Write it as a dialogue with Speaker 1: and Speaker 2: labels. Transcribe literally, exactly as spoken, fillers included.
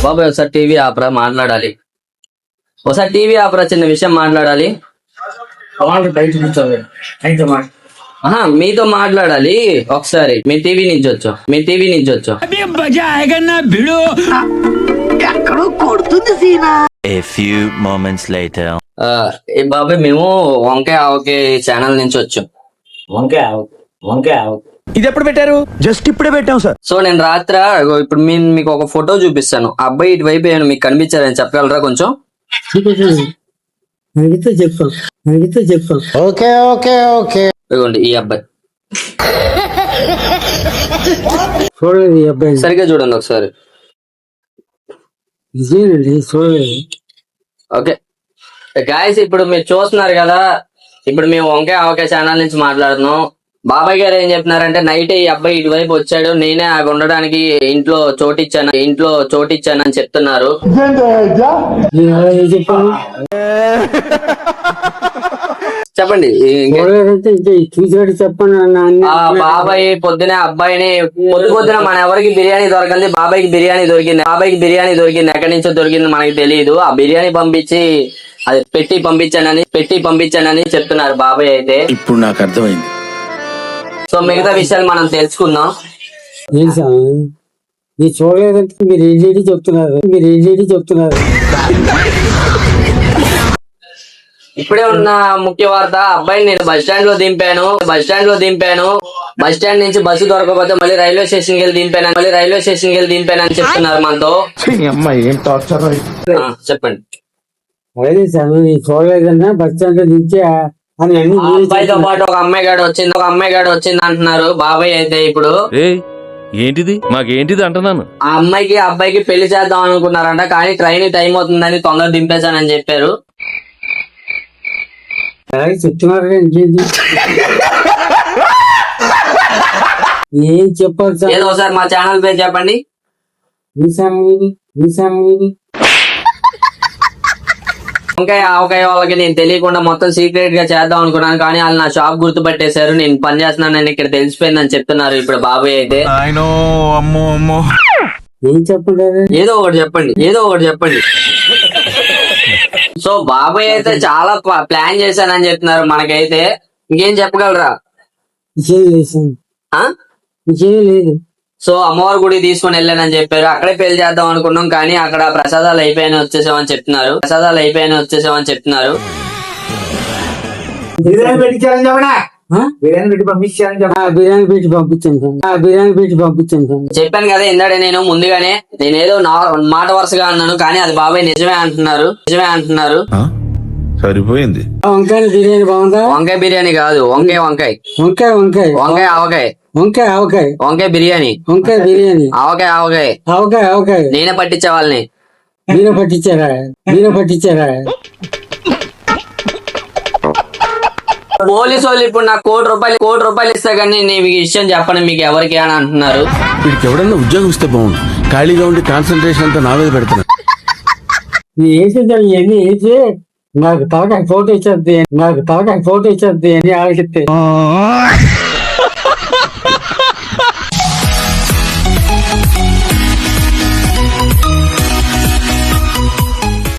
Speaker 1: బాబాయ్ ఒకసారి టీవీ ఆపరా, మాట్లాడాలి. ఒకసారి టీవీ ఆపరా, చిన్న విషయం మాట్లాడాలి. ఆహా, మీతో మాట్లాడాలి ఒకసారి. మీ టీవీ నుంచి వచ్చాం, మీ టీవీ నుంచి వచ్చాం.
Speaker 2: A few moments later.
Speaker 1: ఏ బాబాయ్, మేము వంకాయ ఆవకే ఛానల్ నుంచి వచ్చాం.
Speaker 3: వంకాయ ఆవకే వంకాయ ఆవకే
Speaker 4: ఇది ఎప్పుడు పెట్టారు? జస్ట్ ఇప్పుడే పెట్టాం సార్.
Speaker 1: సో నేను రాత్ర ఇప్పుడు నేను మీకు ఒక ఫోటో చూపిస్తాను. ఆ అబ్బాయి ఇటువైపు ఏమైనా మీకు కనిపించారని చెప్పగలరా కొంచెం?
Speaker 3: అడిగితే చెప్తాం అడిగితే చెప్తాం ఓకే ఓకే ఓకే
Speaker 1: ఇదిగోండి ఈ అబ్బాయి.
Speaker 3: చూడలేదు ఈ అబ్బాయి,
Speaker 1: సరిగ్గా చూడండి ఒకసారి.
Speaker 3: ఇదేనండి చూడలేదు.
Speaker 1: ఓకే గాయస్, ఇప్పుడు మీరు చూస్తున్నారు కదా, ఇప్పుడు మేము వంకాయ ఆవకాయ ఛానల్ నుంచి మాట్లాడుతున్నాం. బాబాయ్ గారు ఏం చెప్తున్నారంటే, నైట్ ఈ అబ్బాయి ఇటువైపు వచ్చాడు, నేనే ఆ ఉండడానికి ఇంట్లో చోటిచ్చాను ఇంట్లో చోటిచ్చాను అని చెప్తున్నారు.
Speaker 3: చెప్పాను
Speaker 1: చెప్పండి.
Speaker 3: చూసాడు చెప్పండి.
Speaker 1: ఆ బాబాయ్ పొద్దునే అబ్బాయిని పొద్దు పొద్దున మన ఎవరికి బిర్యానీ దొరకంది, బాబాయ్కి బిర్యానీ దొరికింది. బాబాయ్కి బిర్యానీ దొరికింది, ఎక్కడి నుంచో దొరికింది మనకి తెలియదు. ఆ బిర్యానీ పంపించి అది పెట్టి పంపించానని పెట్టి పంపించానని చెప్తున్నారు బాబాయ్ అయితే.
Speaker 4: ఇప్పుడు నాకు అర్థమైంది.
Speaker 1: సో మిగతా విషయాలు మనం తెలుసుకుందాం.
Speaker 3: మీరు చూడలేదంటే మీరు ఏంటి చెప్తున్నారు మీరు ఏంటి చెప్తున్నారు
Speaker 1: ఇప్పుడే ఉన్న ముఖ్య వార్త, అబ్బాయిని నేను బస్ స్టాండ్ లో దింపాను బస్ స్టాండ్ లో దింపాను బస్ స్టాండ్ నుంచి బస్సు దొరకకపోతే మళ్ళీ రైల్వే స్టేషన్ కి వెళ్ళి దింపాను మళ్ళీ రైల్వే స్టేషన్ కి వెళ్ళి దింపానని చెప్తున్నారు మనతో. చెప్పండి.
Speaker 3: అదే సార్, నేను చూడలేదన్నా బస్ స్టాండ్ లో దించా అని అన్ని
Speaker 1: అబ్బాయితో పాటు ఒక అమ్మాయి గాడు వచ్చింది ఒక అమ్మాయి గాడు వచ్చింది అంటున్నారు బాబాయ్ అయితే. ఇప్పుడు
Speaker 5: ఏంటిది మాకేంటిది అంటున్నాను.
Speaker 1: ఆ అమ్మాయికి అబ్బాయికి పెళ్లి చేద్దాం అనుకున్నారంట, కానీ ట్రైన్ టైం అవుతుందని తొందర దింపేశానని చెప్పారు.
Speaker 3: అలాగే చెప్తున్నారు ఇంకేంటి ఏం చెప్పాలి సార్?
Speaker 1: ఏదో ఒకసారి మా ఛానల్ పేరు చెప్పండి. వంకాయ ఆవకాయ వాళ్ళకి నేను తెలియకుండా మొత్తం సీక్రెట్ గా చేద్దాం అనుకున్నాను, కానీ వాళ్ళు నా షాప్ గుర్తుపట్టేశారు. నేను పని చేస్తున్నాను ఇక్కడ తెలిసిపోయిందని చెప్తున్నారు ఇప్పుడు బాబాయ్ అయితే.
Speaker 3: ఏం చెప్పండి?
Speaker 1: ఏదో ఒకటి చెప్పండి ఏదో ఒకటి చెప్పండి సో బాబాయ్ అయితే చాలా ప్లాన్ చేశానని చెప్తున్నారు మనకైతే. ఇంకేం చెప్పగలరా?
Speaker 3: లేదు.
Speaker 1: సో అమ్మవారి గుడి తీసుకుని వెళ్ళానని చెప్పారు. అక్కడే పెళ్లి చేద్దాం అనుకున్నాం, కానీ అక్కడ ప్రసాదాలు అయిపోయాయని వచ్చేసామని చెప్తున్నారు ప్రసాదాలు అయిపోయాయని వచ్చేసామని చెప్తున్నారు
Speaker 3: బిర్యానీ పెట్టి పంపించాను బిర్యానీ పెట్టి పంపించాను బిర్యానీ పెట్టి పంపించాను
Speaker 1: చెప్పాను కదా ఇందాడే నేను ముందుగానే. నేను ఏదో మాట వరుసగా అన్నాను, కానీ అది బాబాయ్ నిజమే అంటున్నారు నిజమే అంటున్నారు
Speaker 4: సరిపోయింది.
Speaker 3: వంకాయ బిర్యానీ బాగుందా?
Speaker 1: వంకాయ బిర్యానీ కాదు, వంకాయ వంకాయ
Speaker 3: వంకాయ వంకాయ
Speaker 1: వంకాయ ఆవకాయ
Speaker 3: వంకాయ ఆవకాయ
Speaker 1: వంకాయ బిర్యానీ
Speaker 3: వంకాయ బిర్యానీ
Speaker 1: ఆవకాయ ఆవకాయ
Speaker 3: ఆవకాయ ఆవకాయ
Speaker 1: నేనే పట్టించే వాళ్ళని.
Speaker 3: మీరే పట్టించారా మీరే పట్టించారా
Speaker 1: పోలీసు వాళ్ళు ఇప్పుడు నాకు కోటి రూపాయలు కోటి రూపాయలు ఇస్తా కానీ నేను మీకు విషయం చెప్పను మీకు ఎవరికి అని అంటున్నారు.
Speaker 4: వీడికి ఎవడన్నా ఉద్యోగం ఇస్తే బాగుండు, ఖాళీగా ఉండి కాన్సన్ట్రేషన్ అంతా నా మీద పెడుతున్నా.
Speaker 3: వేసి ఇవన్నీ వేసి నాకు తలకాయ ఫోటో ఇచ్చేద్ది నాకు తలకాయ ఫోటో ఇచ్చేద్ది అని ఆలోచిస్తే